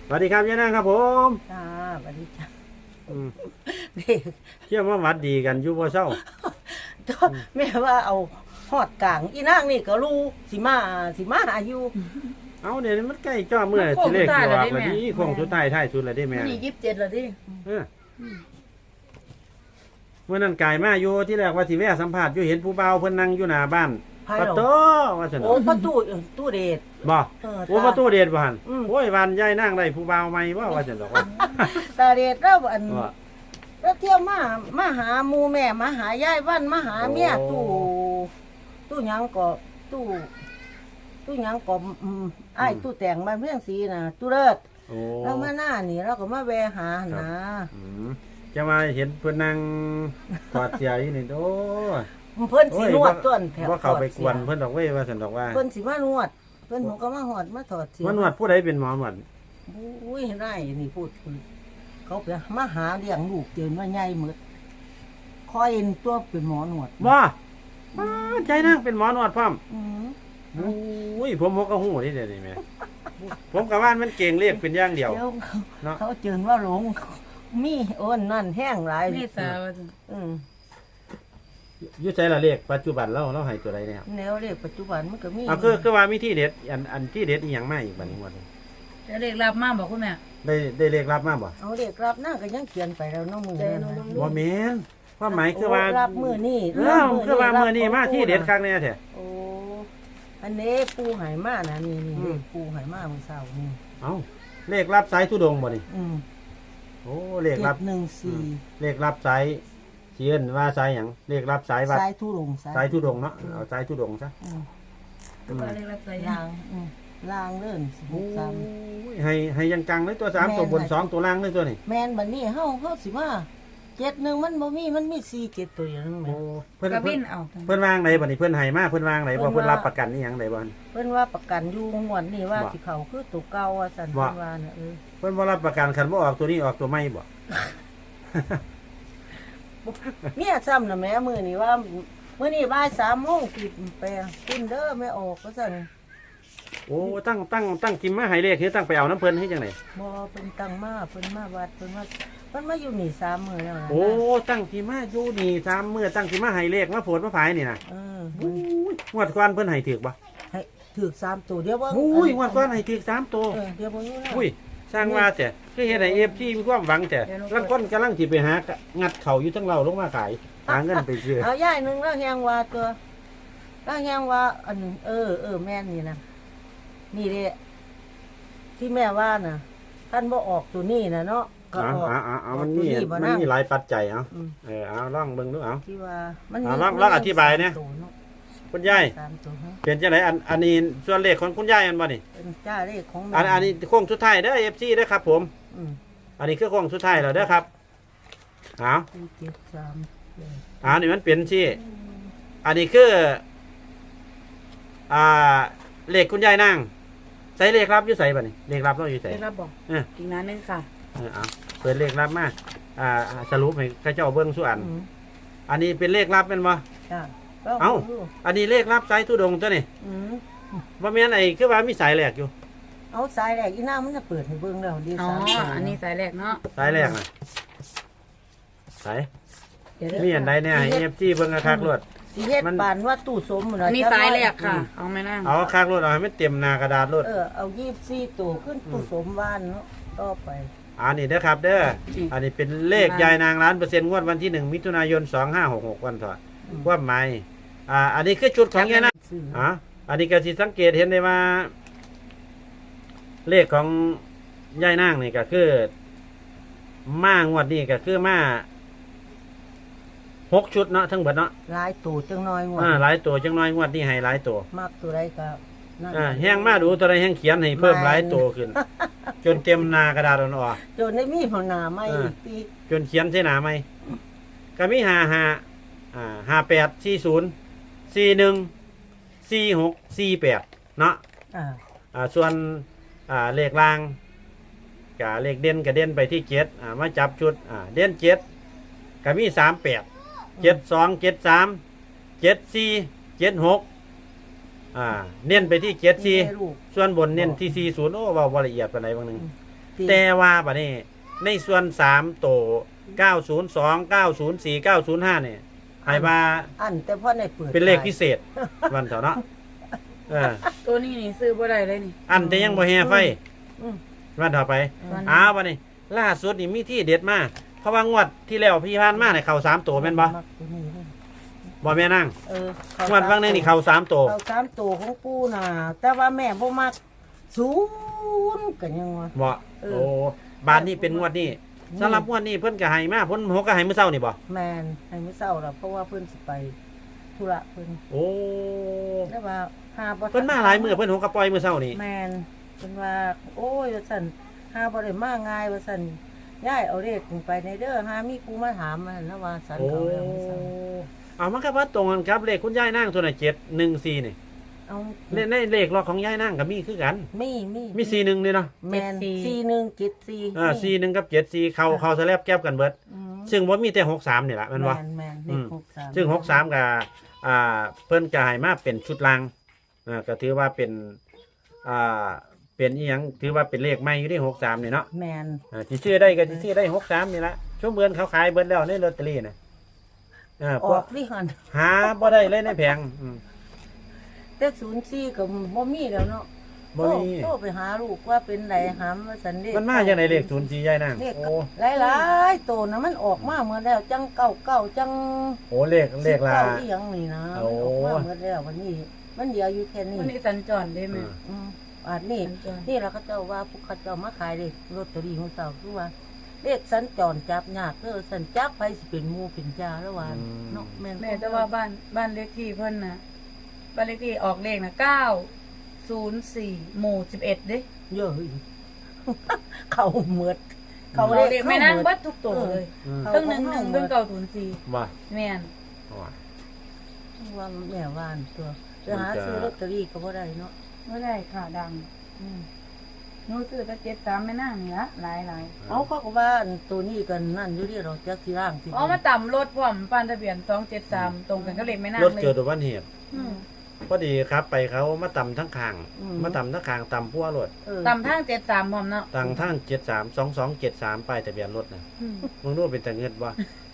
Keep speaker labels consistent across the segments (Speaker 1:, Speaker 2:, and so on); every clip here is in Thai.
Speaker 1: สวัสดีครับยายนางครับผม
Speaker 2: จ้าสวัสดีจ้า
Speaker 1: อืม
Speaker 2: เด็ก
Speaker 1: เชื่อว่าหวัดดีกันอยู่บ่เศร้า
Speaker 2: แม่ว่าเอาหอดกลางอีนางนี่ก็รู้สิมาหาอยู่
Speaker 1: เอาเดี๋ยวนี้มันใกล้จ้อเมื่อสิเลขอยู่ว่าวันนี้คงสุดท้ายท้ายสุดแล้วได้แม่
Speaker 3: นี่27แล้วดิ
Speaker 1: เออเมื่อนั้นกายมาอยู่ที่แรกว่าสิแวะสัมภาษณ์อยู่เห็นผู้บ่าวเพิ่นนั่งอยู่หน้าบ้าน
Speaker 2: ไผ
Speaker 1: ปะ
Speaker 2: เหรอ
Speaker 1: โตว่าซั่น
Speaker 2: โอ้ประตูตู้เดช
Speaker 1: บ่ โอ้ประตูเดชบ่หั่น
Speaker 2: อืม
Speaker 1: โอ้ยวันยายนางได้ผู้บ่าวใหม่บ่ว่าซั่นดอกว่า
Speaker 2: ตาเดชแล้วอัน
Speaker 1: ว่า
Speaker 2: แล้วเที่ยวมาหาหมู่แม่มาหายายวันมาหาเมีย
Speaker 1: โอ้
Speaker 2: ตู้หยังก็ตู้หยังก็อ้ายตู้แต่งมาเพียงสีน่ะตู้เลิศ
Speaker 1: โอ้
Speaker 2: แล้วมาหน้านี่เราก็มาแวะหานะ
Speaker 1: อืมจะมาเห็นเพิ่นนั่งถอดเสื้ออยู่นี่โอ้ย
Speaker 2: เพิ่นสินวดต้นแถว
Speaker 1: ว่าเขาไปกวนเพิ่นดอกเว้ยว่าซั่นดอกว่า
Speaker 2: เพิ่นสิมานวด เพิ่นหนูก็มาหอดมาถอดเสีย
Speaker 1: มันนวดผู้ใดเป็นหมอหนวด
Speaker 2: อุ้ยได้นี่พูดเขาไปมาหาเลี้ยงลูกเจนว่าใหญ่หมดคอยเอ็นตัวเป็นหมอหนวด
Speaker 1: ว่าใจนั่งเป็นหมอหนวดพร้อม
Speaker 2: อืม
Speaker 1: อุ้ยผมก็หูนี่เดี๋ยวนี้แม่ผมกับว่านมันเก่งเรียกเป็นอย่างเดียว
Speaker 2: เดี๋ยว
Speaker 1: เนาะ
Speaker 2: เขาเจินว่าหลงมีโอนนั่นแห้งหลาย
Speaker 3: นี่สาวา
Speaker 2: อืม
Speaker 1: อยุ่ใช้ละเรียกปัจจุบันเราให้ตัวใดเนี่ย
Speaker 2: แนวเลขปัจจุบันมันก็มี
Speaker 1: คือว่ามีที่เด็ดอันที่เด็ดอีหยังมาอีกบัดนี้หมด
Speaker 3: จะเรียกรับมาบอกคุณแม่
Speaker 1: ได้เลขรับมาบ่
Speaker 2: เอาเลขรับหน้าก็ยังเขียนไปแล้วเน้องมือนั่นน่ะ
Speaker 1: บ่แม่นความหมายคือว่า
Speaker 2: โรับมือนี่
Speaker 1: คือว่ามื้อนี้มาที่เด็ดครั้งแน่แท้
Speaker 2: โอ้อันนี้ปูไหมานะนี่
Speaker 1: อืม
Speaker 2: เลขปูไหมาเมื่อเช้านี่
Speaker 1: เอ้าเลขรับสายทุดงค์บ่นี่
Speaker 2: อืม
Speaker 1: โอ้เลขรับ
Speaker 2: 714
Speaker 1: เลขรับสายเขียนว่าสายหยังเลขรับสายวัด
Speaker 2: สายทุรง
Speaker 1: สายทุดงค์เนาะเอาสายทุดงค์ซะ
Speaker 2: อืม
Speaker 3: ก็ว่าเรียกรับใส่
Speaker 2: ลางลางเลื่อน
Speaker 1: โอ้
Speaker 2: 63
Speaker 1: ยให้ยังจังเลยตัว3ตัวบน2ตัวล่างเลยตัวนี้
Speaker 2: แมนบัดนี้เฮาสิมา71มันบ่มีมันมี47ตัวอย่างนึงแหม
Speaker 1: โอ้เพิ่น
Speaker 3: กระ
Speaker 1: เพิ่
Speaker 3: วิ
Speaker 1: น
Speaker 3: นเอา
Speaker 1: เพิ่นวางไหนบัดนี้เพิ่นให้มาเพิ่นวางไหนบ่
Speaker 2: เพิ่
Speaker 1: เพิ่น
Speaker 2: นว่า
Speaker 1: รับประกันอีหยังไดบ่
Speaker 2: เพิ่นว่าประกันอยู่งวดนี้ว่า
Speaker 1: บ่
Speaker 2: สิเขาคือตัวเก่าว่าซั่น
Speaker 1: บ่
Speaker 2: เพิ่นว่าน่ะ
Speaker 1: เพิ่นบ่รับประกันคันบ่ออกตัวนี้ออกตัวใหม่บ่
Speaker 2: เมียซ้ำน่ะแหม่มื้อนี้ว่ามื้อนี้บ่าย3:00นสิไปคุณเด้อแม่ออกว่าซั่น
Speaker 1: โอ้ตั้งกิมมาให้เลขคือตั้งไปเอาน้ำเพิ่นให้จังได๋
Speaker 2: บ่เพิ่นตั้งมาเพิ่นมาวัดเพิ่นมาอยู่นี่3มื้อแล้วนะ
Speaker 1: โอ้ตั้งกิมมาอยู่นี่3มื้อตั้งกิมมาให้เลขมาโพดมาผายนี่น่ะ
Speaker 2: เออ
Speaker 1: โอ้ยงวดก่อนเพิ่นให้ถูกบ่
Speaker 2: ให้ถูก3ตัวเดี๋ยวเบิ่ง
Speaker 1: โอ้ยงวดก่อนให้ถูก3ตัว
Speaker 2: เดี๋ยวเบิ่งอยู่นะ
Speaker 1: อุ้ยสร้างว่าแต่คือเฮ็ดให้ FG มีความหวังแต่ลางคนกำลังสิไปหางัดเข้าอยู่ทั้งเราลงมาขายหาเงินไปซื้อ
Speaker 2: เอาย่ายหนึงแล้วแฮงว่าตัวแล้วแฮงว่าอันแม่นนี่นะนี่แหละที่แม่ว่าน่ะท่านบ่ออกตัวนี้น่ะเนาะก็ออก
Speaker 1: เอามัน
Speaker 2: ตัว
Speaker 1: มี
Speaker 2: บ่
Speaker 1: มัน
Speaker 2: นั่ง
Speaker 1: มีหลายปัจจัยเอา
Speaker 2: อืม
Speaker 1: เอาลองเบิ่งดูเอา
Speaker 2: ที่ว่ามัน
Speaker 1: ลองอธิบายเนี่ย
Speaker 2: ตัวเาะ
Speaker 1: คุณยาย
Speaker 2: สามตัวฮะ
Speaker 1: เป็นจังไดอันนี้ส่วนเลขของคุณยายอันบ่นี่
Speaker 2: เป็นจ้าเลขของแม่
Speaker 1: อันนี้โค้งสุดท้ายเด้อ FC เด้อครับผม
Speaker 2: อืม
Speaker 1: อันนี้คือโค้งสุดท้ายแล้วเด้อครับเอา
Speaker 2: 473
Speaker 1: นี่มันเป็นสิอันนี้คือเลขคุณยายนางใส่เลขรับอยู่ใส่บ่นี่เลขรับเราอยู่ใส่
Speaker 3: เรียกรับบอก
Speaker 1: เออ
Speaker 3: อีกนานนึงค่ะ
Speaker 1: เอาเปิดเลขรับมาสรุปให้ข้าเจ้าเบิ่งส่วน
Speaker 2: อืม
Speaker 1: อันนี้เป็นเลขลับเป็นบ่
Speaker 2: จ้า
Speaker 1: เอ้า อันนี้เลขลับสายทุดงค์ตัวนี่
Speaker 2: อืม
Speaker 1: บ่แม่นไอ้คือว่ามีสายแหลกอยู่
Speaker 2: เอาสายแรกอีนางมันจะเปิดให้เบิ่งแล้วดี
Speaker 3: อ๋อ
Speaker 2: สามตัว
Speaker 3: อันนี้สายแรกเนาะ
Speaker 1: สายแหลกน่ะสาย
Speaker 3: เดี๋ยวเด้อ
Speaker 1: มีอันใดเนี่ยให้ FC เบิ่งคักๆรวด
Speaker 2: สิเฮ็ด
Speaker 1: มัน
Speaker 2: ปานว่าตู้สมหมด
Speaker 3: อันนี้สายแรกค่ะ เอาไหมนั่ง
Speaker 1: เอาคักรวดเอาให้มันเต็มหน้ากระดาษรวด
Speaker 2: เอา24ตัวขึ้นตู้สมบ้านเนาะต่อไป
Speaker 1: อันนี้เด้อครับเด้ออันนี้เป็นเลขยายนางล้านเปอร์เซ็นต์งวดวันที่1มิถุนายน2566วันเถอะความหมายอันนี้คือจุดของยายนาง
Speaker 2: ซื้อ
Speaker 1: อันนี้ก็สิสังเกตเห็นได้ว่า เลขของยายนางนี่ก็คือมางวดนี้ก็คือมา6 ชุดเนาะทั้งหมดเนาะ
Speaker 2: หลายตัวจังน้อยงวด
Speaker 1: หลายตัวจังน้อยงวดนี้ให้หลายตัว
Speaker 2: มักตัวใดก็นั่น
Speaker 1: แห้งมาดูตัวใดแห้งเขียนให้เพิ่มหลายตัวขึ้น จนเต็มหน้ากระดาษอ่อน
Speaker 2: จนได้มีหัวหน้าใหม่อีกปี
Speaker 1: ๆจนเขียนใส่หนาไหมก็มี55 41 46 48เนาะ ส่วนเลขล่างกับเลขเด่นกับเด่นไปที่7มาจับชุดเด่น7ก็มี38 72 73 74 76เน้นไปที่74ส่วนบนเน้นที่40โอ้เว้าบ่ละเอียดปานใดบางนึง
Speaker 2: ติ
Speaker 1: แต่ว่าบัดนี้ในส่วน3โต902 904 905เนี่ยให้ว่า
Speaker 2: อันแต่พ่อในเปิด
Speaker 1: เป็นเลขพิเศษวันเถาะเนาะเออ
Speaker 3: ตัวนี้นี่ซื้อบ่ได้เลยนี่
Speaker 1: อันแต่ยังบ่แห่ไฟ
Speaker 2: อืม
Speaker 1: วันต่อไป
Speaker 3: วัน
Speaker 1: อ้าวบัดนี้ล่าสุดนี่มีที่เด็ดมากเพราะว่างวดที่แล้วพี่พานมาเนี่ยเข้า3โตแม่นบ่
Speaker 2: มักตัวนี้เลย
Speaker 1: บ่แม่นาง
Speaker 2: เออ
Speaker 1: งวดวังนึงนี่เข้า3โต
Speaker 2: เขาสามตัวของปู่น่ะแต่ว่าแม่บ่มักศูนย์กันยังวะ
Speaker 1: บ่
Speaker 2: เออ
Speaker 1: โอ้บานนี้เป็นงวดนี้สำหรับงวดนี้เพิ่นก็ให้มาเพิ่นหกก็ให้มื้อเช้านี่บ่
Speaker 2: แมนให้มื้อเช้าล่ะเพราะว่าเพิ่นสิไปธุระเพิ่น
Speaker 1: โอ้
Speaker 2: แต่ว่าหาบ่
Speaker 1: เพิ่นมาหลายมื้อเพิ่นหกก็ปล่อยมื้อเช้านี่
Speaker 2: แมนเพิ่นว่า โอ้ยว่าซั่นหาบ่ได้มาง่ายว่าซั่นย้ายเอาเลขไปในเด้อหามีผู้มาถามมันนะว่าสัน
Speaker 1: โอ้
Speaker 2: เขาแล้วมื้อเช้า
Speaker 1: เอามันก็ว่าตรงกันครับเลขคุณยายนางตัวน่ะ714นี่
Speaker 2: เอา
Speaker 1: ในเลขล็อกของยายนางก็มีคือกัน
Speaker 2: มี
Speaker 1: มี41นี่เนาะ
Speaker 2: แมน4174
Speaker 1: 41กับ74เข้าสแลบแก็บกันเบิด
Speaker 2: อืม
Speaker 1: ซึ่งบ่มีแต่63นี่ล่ะแม่นบ่
Speaker 2: แมนเลข63
Speaker 1: ซึ่ง63ก็เพิ่นก็ให้มาเป็นชุดรางก็ถือว่าเป็นเป็นอีหยังถือว่าเป็นเลขใหม่อยู่ที่63นี่เนาะ
Speaker 2: แมน
Speaker 1: สิซื้อได้ก็สิซื้อได้63นี่ละช่วงเบือนเขาขายเบิดแล้วในลอตเตอรี่น่ะ
Speaker 2: ออ
Speaker 1: พวก
Speaker 2: กดิหัน
Speaker 1: หาบ่ได้เลยในแผง
Speaker 2: แต่04ก็บ่มีแล้วเนาะ
Speaker 1: บ่มี
Speaker 2: โทรไปหาลูกว่าเป็นไรหามว่าสันเด็ก
Speaker 1: มันมาจังไดเลข04ยายนาง
Speaker 2: เลข
Speaker 1: โอ้
Speaker 2: หลายๆตัวนะมันออกมาเมื่อแล้วจังเก่าจัง
Speaker 1: โหเลขลา
Speaker 2: เก่าอีหยังนี่นะ
Speaker 1: โอ้
Speaker 2: มันออกมาเมื่อแล้ววันนี้ มันเดียวอยู่แค่นี้
Speaker 3: วันนี้สัญจรได้ไหม
Speaker 2: อืมอาจนี่
Speaker 3: สัญจร
Speaker 2: นี่เราก็เจ้าว่าพวกเขาเจ้ามาขายเลขลอตเตอรี่ของเจ้าคือว่าเลขสัญจรจับยากสัญจับไปสิเป็นหมู่เป็นจ้าแล้วว่าเนาะแม่น
Speaker 3: แม่แต่ว่าบ้านเลขที่เพิ่นน่ะบ้านเลขที่ออกเลขน่ะ904หมู่11เด้
Speaker 2: เยอะอีก เขาเหมือด
Speaker 3: เขา
Speaker 2: เขา
Speaker 3: เล
Speaker 2: เล
Speaker 3: ข
Speaker 2: ข
Speaker 3: แม่นาง
Speaker 2: เข้าหมด
Speaker 3: เบัดทุกตัวเลย
Speaker 1: อืม
Speaker 2: เขา
Speaker 3: เพิ่ง11เพิ่ง904
Speaker 1: ว่า
Speaker 3: แม่น
Speaker 1: ว่า
Speaker 2: ว่าแม่ว่านตัวไปหาซื้อลอตเตอรี่ก็บ่ได้เนาะ
Speaker 3: บ่ได้ค่ะดัง
Speaker 2: อืม
Speaker 3: หนูซื้อแต่73แม่นางนี่ละหลาย
Speaker 2: เอาเขาก็ว่าอันตัวนี้กันนั่นอยู่ที่เราจักที่ร่างสิ
Speaker 3: ๆอ๋อมาต่ำรถพร้อมป้านทะเบียน273ตรงกันก็เลขแม่นาง
Speaker 1: รถ
Speaker 3: เลย
Speaker 1: เกิดอุบัติเหตุ
Speaker 3: อืม
Speaker 1: พอดีครับไปเขามาต่ำทั้งข้างมาต่ำทั้งข้างต่ำพัวรถ
Speaker 3: ต่ำทาง73พร้อมเนาะ
Speaker 1: ต่างทาง732273ป้ายทะเบียนรถน่ะ
Speaker 3: อืม
Speaker 1: มึงรู้เป็นตะเงิดบ่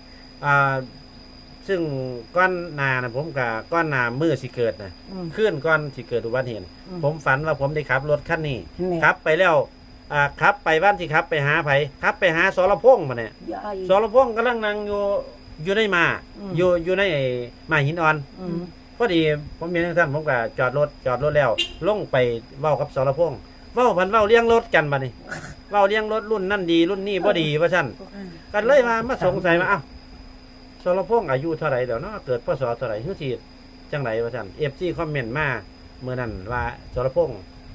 Speaker 1: ซึ่งก้อนหนานะผมกับก้อนหนามือสิเกิดนะ ขึ้นก้อนสิเกิดอุบัติเหตุผมฝันว่าผมได้ขับรถคันนี้ขับไปแล้วขับไปบ้านที่ขับไปหาไผขับไปหาสรพงษ์มาเนี่ยสรพงษ์กำลังนั่งอยู่ในมาอยู่ในไอ้มาหินอ่อนพอดีผมเห็นท่านผมก็จอดรถแล้วลงไปเว้ากับสรพงษ์เว้าพันเว้าเลี้ยงรถกันบัดนี้เว้าเลี้ยงรถรุ่นนั่นดีรุ่นนี้บ่ดีว่าซั่นกันเลยมาสงสัยว่าอ้าวสรพงษ์อายุเท่าไหร่แล้วเนาะเกิดพศเท่าไหร่ฮู้สิจังไดว่าซั่น FC คอมเมนต์มาเมื่อนั้นว่าสรพงษ์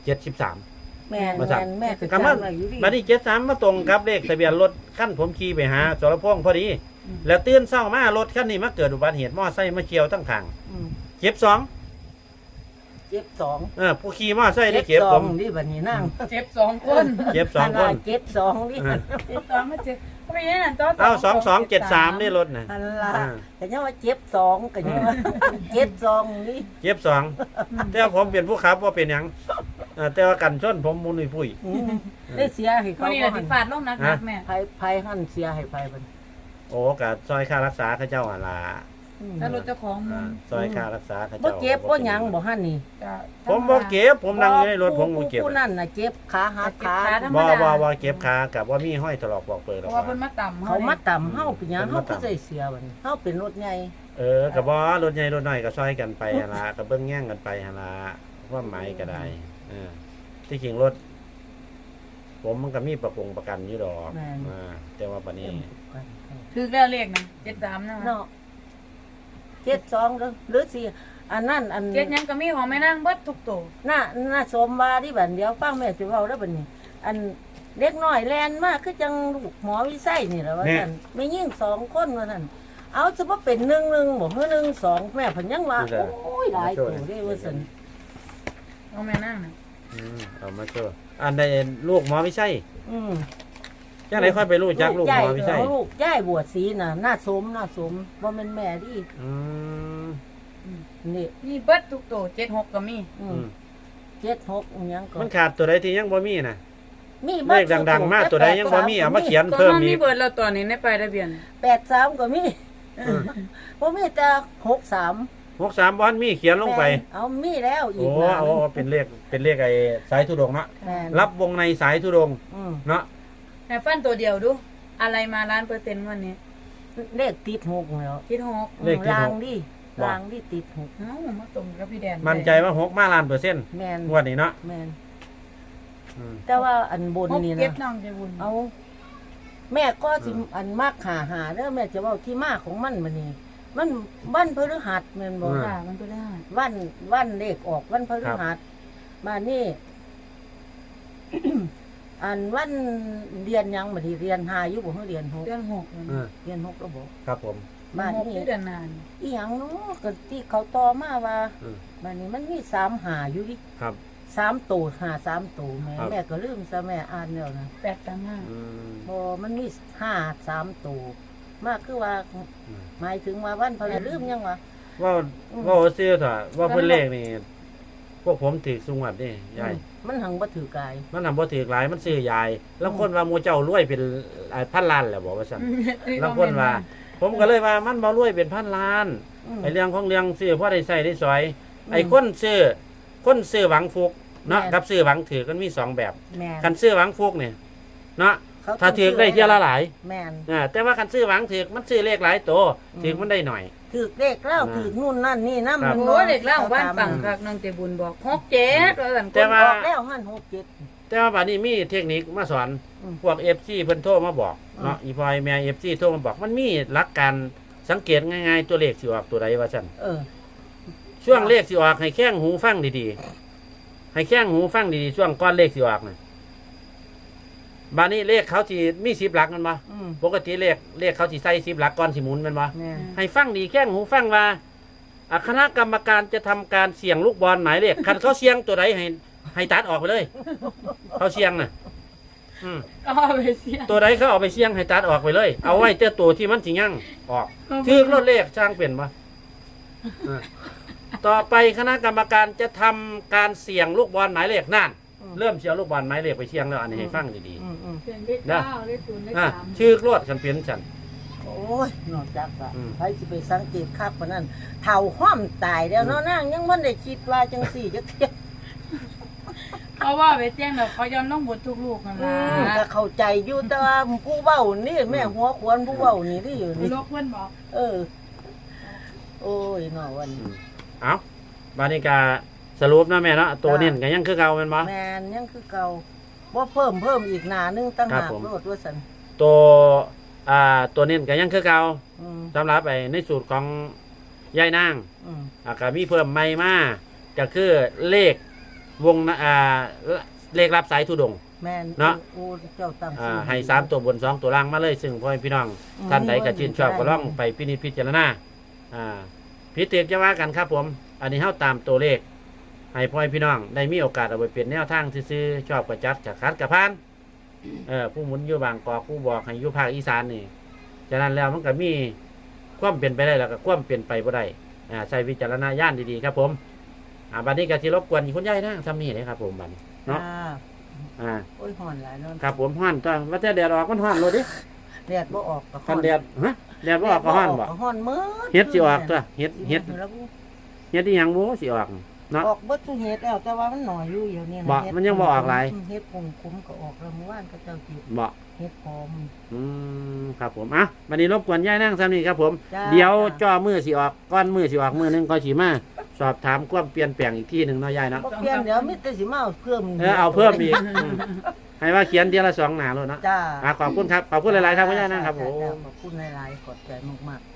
Speaker 1: 73
Speaker 2: แม่
Speaker 1: มาสั่ง
Speaker 2: แม่เป็น
Speaker 1: กำลัง
Speaker 2: จำไว้อยู่ดิ
Speaker 1: บัดนี้73มาตรงกับเลขทะเบียนรถคันผมขี่ไปหาสรพงษ์พอดี แล้วตื่นเช้ามารถคันนี้มาเกิดอุบัติเหตุมอไซค์มาเฉียวทั้งข้าง
Speaker 2: อืม
Speaker 1: เจ็บ2
Speaker 2: เจ็บสอง
Speaker 1: ผู้ขี่มอไซค์ได้เจ็บ
Speaker 2: ส
Speaker 1: ผ
Speaker 2: อง
Speaker 1: ม
Speaker 2: ดิบัดนี้นั่ง
Speaker 3: เจ็บ2คน
Speaker 1: เจ็บ2คน
Speaker 2: เจ็บสองดิ
Speaker 3: เจ็บ2มาเจ็บก็ไม่ได้นั่นต่อ
Speaker 1: เอา2273นี่รถน่ะ
Speaker 2: อันละ
Speaker 1: อ่า
Speaker 2: แต่ยังว่าเจ็บสองกันยังว่าเจ็บสองนี่
Speaker 1: เจ็บ2แต่ว่าผมเป็นผู้ขับว่าเป็นหยังแต่ว่ากันชนผมมุนปุ้ย
Speaker 2: อืมได้เสียให้
Speaker 3: วั
Speaker 2: เขา
Speaker 3: นนี้
Speaker 2: บ่
Speaker 3: น่ะ
Speaker 2: หั
Speaker 3: สิ
Speaker 2: น
Speaker 3: ฟาดลงหนักๆแม่
Speaker 2: ไผหั่นเสียให้ไผบัด
Speaker 1: โอ้กับซอยค่ารักษาข้าเจ้าหั่นล่ะ
Speaker 2: อืม
Speaker 3: ถ้ารถเจ้าของมึง
Speaker 1: ซอยค่ารักษาข้า
Speaker 2: บ่
Speaker 1: เจ้า
Speaker 2: เจ็บบ่หยังบ่หั่นนี่
Speaker 3: จะ
Speaker 1: ผมบ่เก็บผมนั่งอยู่ในรถผมบ่เก็บ
Speaker 2: ผู้นั่นน่ะเจ็บขาหักขา
Speaker 1: บ่เก็บขากับว่ามีห้อยถลอกบอกเปิดหร
Speaker 3: เพ
Speaker 1: อก
Speaker 3: ราะว่าเพิ่นมาต่ำ
Speaker 2: เขามาต่ำเฮาเป็นหยังเฮาก็ได้เสียบัดนี้เฮาเป็นรถใหญ่
Speaker 1: กับว่ารถใหญ่รถน้อยก็ซอยกันไปหั่นล่ะก็เบิ่งแย่งกันไปหั่นล่ะความหมายก็ได้ที่จริงรถ ผมมันก็มีประกันอยู่ดอกแต่ว่าบัดนี้
Speaker 3: คือแล้วเลขนะ73นะ
Speaker 2: เนาะเจ็ดสองเด้อหรือสิอันนั้นอัน
Speaker 3: เจ็ดหยังก็มีของแม่นางเบิดทุกตัว
Speaker 2: น่าสมว่าที่บัดเดียวฟังแม่สิเว้าได้อบัดนี้ อันเด็กน้อยแลนมากคือจังลูกหมอวิไสนี่แหละว่าซั่นไม่ยิ่ง2คนว่าซั่นเอาจะบ่เป็น1-1บ่คือ1-2แม่เพิ่นยังว่าโอ้ยหลายตัวเด้ว่าซั่น
Speaker 3: ของแม่นางน่ะ
Speaker 1: เอามาโชว์อันใดลูกหมอไม่ใช่
Speaker 2: อืม
Speaker 1: จังไดค่อยไปรู้จักลูกหมอไม่ใช่
Speaker 2: ลูกยายบวชศรีน่ะน่าสมบ่แม่นแม่ดิ
Speaker 1: อืม
Speaker 2: นี่
Speaker 3: มีเบิดทุกตัว76ก็มี
Speaker 2: 76อิหยังก็
Speaker 1: มันขาดตัวใดที่ยังบ่มีน่ะ
Speaker 2: มี
Speaker 1: เลขดังๆมาตัวใดยังบ่มีเอามาเขียน
Speaker 3: ตัว
Speaker 1: เพิ่ม
Speaker 3: มัน
Speaker 1: อี
Speaker 3: มี
Speaker 1: ก
Speaker 3: เบิดแล้วตัวนี้ในป้ายทะเบียน
Speaker 2: 83ก็มีบ่มีแต่63
Speaker 1: 63บ่มีเขียนลงไป
Speaker 2: เอามีแล้วอี
Speaker 1: โอ้
Speaker 2: กนะ
Speaker 1: เอาเป็นเลขไอ้สายธุดงค์เนาะ
Speaker 2: แม่น
Speaker 1: รับวงในสายธุดงค์
Speaker 2: อืม
Speaker 1: เนาะ
Speaker 3: แต่ฟันตัวเดียวดู อะไรมา1,000%วันนี้
Speaker 2: เลขติด6แล้ว
Speaker 3: คิดหก
Speaker 1: เลขที่
Speaker 2: ราง
Speaker 1: หก
Speaker 2: ดิรางดิติด6
Speaker 3: เอ้ามาตรงกับพี่แดน
Speaker 1: มั่นใจว่า6มาล้านเปอร์เซ็นต์
Speaker 2: แม่น
Speaker 1: งวดนี้เนาะ
Speaker 2: แม่น
Speaker 1: อืม
Speaker 2: แต่ว่าอันบน
Speaker 3: หก
Speaker 2: นี่
Speaker 3: เก็บ
Speaker 2: นะ
Speaker 3: น้องใจบุญ
Speaker 2: เอาแม่ก็สิอันมากหาเด้อแม่จะเว้าที่มาของมันบัดนี้ มันวันพฤหัสแม่นบ่
Speaker 3: ค่ะมันตัวได้
Speaker 2: วันเลขออกวันพฤหัสมานี่ อันวันเรียนหยังบัดนี้เรียน5อยู่บ่เฮาเรียน6
Speaker 3: เดือน6
Speaker 1: เออ
Speaker 2: เรียน6แล้วบ่
Speaker 1: ครับผม
Speaker 2: มา
Speaker 3: 6
Speaker 2: นี่
Speaker 3: ที่เดือนนาน
Speaker 2: อีหยังเนาะก็ที่เขาต่อมาว่า
Speaker 1: อืม
Speaker 2: บัดนี้มันมี3หาอยู่ดิ
Speaker 1: ครับ
Speaker 2: 3ตัวหา3ตัวแม่
Speaker 1: ครับ
Speaker 2: แม่ก็ลืมซะแม่อ่านแล้วนะ
Speaker 3: 835
Speaker 1: อืม
Speaker 2: บ่มันมี3ตัวมากคือว่า
Speaker 1: อืม
Speaker 2: หมายถึงว่าวันพฤหัสลืมยังวะ
Speaker 1: ว่า
Speaker 2: อืม
Speaker 1: ว่าซื้อเถอะว่าเพิ่นเลขนี่พวกผมถือสุงวัดนี่ยาย
Speaker 2: มันหังบ่ถือกาย
Speaker 1: มันนำบ่ถือหลายมันซื้อยายแล้วคนว่าหมู่เจ้ารวยเป็นพันล้านแหละบอกว่าซั่นแล้วคนว่า ผมก็เลยว่ามันบ่รวยเป็นพันล้าน
Speaker 2: อืม
Speaker 1: ไอ้เรื่องของเรื่องซื้อพอได้ใช้ได้สอย ไอ้คนซื้อหวังฟุกเนาะ
Speaker 2: แม่น
Speaker 1: กับซื้อหวังถือกันมีสองแบบ
Speaker 2: แม่น
Speaker 1: คันซื้อหวังฟุกเนี่ยเนาะ
Speaker 2: เข
Speaker 1: ถ้าถือได้เที่ยวละหลาย
Speaker 2: แม่น
Speaker 1: แต่ว่าคันซื้อหวังถือมันซื้อเลขหลายตัว
Speaker 2: อืม
Speaker 1: ถือมันได้หน่อย
Speaker 2: ถือเลขแล้ว
Speaker 1: อ่า
Speaker 2: ถือนู่นนั่นนี่นำ
Speaker 1: ครับ
Speaker 3: โอ้เด็กเล่าบ้านปังคักน้องใจบุญบอก67ว่าซั่น
Speaker 1: แต่ว่า
Speaker 2: ออกแล้วหัน67
Speaker 1: แต่ว่าบัดนี้มีเทคนิคมาสอน
Speaker 2: อืม
Speaker 1: พวก FC เพิ่นโทรมาบอกเนาะอีพอยแม่ FC โทรมาบอกมันมีหลักการสังเกตง่ายๆตัวเลขสิออกตัวใดว่าซั่น
Speaker 2: เออ
Speaker 1: ช่วงเลขสิออกให้แข้งหูฟังดีๆให้แข้งหูฟังดีๆช่วงก้อนเลขสิออกน่ะบัดนี้เลขเขาสิมี10หลักแมันบ่
Speaker 2: อืม
Speaker 1: ปกติเลขเขาสิใส่10หลักก่อนสิหมุนแมันบ่
Speaker 2: แม่น
Speaker 1: ให้ฟังดีแข้งหูฟังว่าคณะกรรมการจะทำการเสี่ยงลูกบอลหมายเลขคันเขาเสี่ยงตัวใดให้ตัดออกไปเลย เขาเสี่ยงน่ะอืม
Speaker 3: ก็ไปเสีย
Speaker 1: ตัวใดเขาเอาไปเสี่ยงให้ตัดออกไปเลย เอาไว้แต่ตัวที่มันสิยั่งออกถือรถเลขช่างเปลี่ยนบ่ต่อไปคณะกรรมการจะทำการเสี่ยงลูกบอลหมายเลขนั่น
Speaker 2: อืม
Speaker 1: เริ่มเสี่ยงลูกบอลหมายเลขไปเสี่ยงแล้วอันนี้ให้ฟังดี
Speaker 2: อืมอืม
Speaker 3: เปลี่ยนเลข9เลข0เลข
Speaker 1: ๆชื่อรถกันเปลี่ยนฉัน
Speaker 2: โอ้ยนอกจากว่า
Speaker 1: อืม
Speaker 2: ใครสิไปสังเกตคักปานนั้นเฒ่าห้อมตายแล้วเนาะนางยังบ่ได้คิดว่าจังซี่จักเที่ย
Speaker 3: 3เพราะว่าไปแจ้งแล้วเขายอมต้องบดทุกลูกนั่นล่ะ
Speaker 2: ก็เข้าใจอยู่แต่ว่าผู้เว้านี่แม่หัวขวนผู้เว้านี่ที่อยู่นี่
Speaker 3: ลูกเพิ่นบอก
Speaker 2: เออ โอ้ยเนาะวันนี้
Speaker 1: เอาบานิกาสรุปนะแม่เนาะตัวเน้นก็ยังคือเก่าแม่นบ่
Speaker 2: แมนยังคือเก่าบ่เพิ่มอีกหน้านึงตั้ง
Speaker 1: ครับ
Speaker 2: หาก
Speaker 1: ผม
Speaker 2: โลดว่าซั่น
Speaker 1: ตัวตัวเน้นก็ยังคือเก่า
Speaker 2: อืม
Speaker 1: สำหรับในสูตรของยายนาง
Speaker 2: อืม
Speaker 1: ก็มีเพิ่มใหม่มาก็คือเลขวงเลขรับสายธุดงค์
Speaker 2: แม่น
Speaker 1: เนาะ
Speaker 2: โอ้เจ้าตั้งชื่อ
Speaker 1: ให้3ตัวบน2ตัวล่างมาเลย ซึ่งพ่อแม่พี่น้อง ท่านใดก็ชื่นชอบก็ลองไปพินิจพิจารณาพิจารณาจะว่ากันครับผม อันนี้เฮาตามตัวเลข ให้พ่อแม่พี่น้องได้มีโอกาสเอาไปเปลี่ยนแนวทางซื้อๆชอบกระจัดกระคัดกระพานผู้หมุนอยู่บางกอกผู้บอกให้อยู่ภาคอีสานนี่ฉะนั้นแล้วมันก็มีความเปลี่ยนไปได้แล้วก็ความเปลี่ยนไปบ่ได้ใช้วิจารณญาณดีๆครับผมบัดนี้ก็สิรบกวนคุณยายนะทำนี่เลยครับผมบัดนี้เนาะ
Speaker 2: โอ้ยฮ้อนหลายเนาะ
Speaker 1: ครับผมฮ้อนตัวว่าแต่แดดออกมันฮ้อนเลยดิ
Speaker 2: แดดบ่ออกก็ฮ้
Speaker 1: คั
Speaker 2: อน
Speaker 1: แดดแดดบ่ออกก็ฮ้อนบ่
Speaker 2: ฮ้อนมื้อ
Speaker 1: เฮ็ดสิออกตัวเฮ็ด
Speaker 2: แล้ว
Speaker 1: เฮ็ดที่หยังบ่สิออกเนาะ
Speaker 2: ออกเบิดทุกเฮ็ดแล้วแต่ว่ามันน้อยอยู่เดี๋ยวนี้นะ
Speaker 1: บ่
Speaker 2: เฮ็ด
Speaker 1: มันยังบ่ออกหลาย
Speaker 2: เฮ็ดคงคุ้มก็ออกแล้วเมื่อวานก็เจ้าจิต
Speaker 1: บ่
Speaker 2: เฮ็ดพร้อม
Speaker 1: ครับผมวันนี้รบกวนยายนั่งซ้ำนี่ครับผม
Speaker 2: จ้า
Speaker 1: เดี๋ยวจ่อมือสิออกก้อนมือสิออกมือหนึงก็สิมาสอบถามความเปลี่ยนแปลงอีกที่หนึงเนาะยายเนาะ
Speaker 2: บ่เปลี่ยนเดี๋ยวมีแต่สิมาเอาเพิ่ม
Speaker 1: เอาเพิ่มอีกให้ว่าเขียนเทียละ2หน้าโลดเนาะ
Speaker 2: จ้า
Speaker 1: ขอบคุณครับขอบคุณหลายๆครับคุณยายนั่งครับผม
Speaker 2: ขอบคุณหลายๆขอบใจมากๆ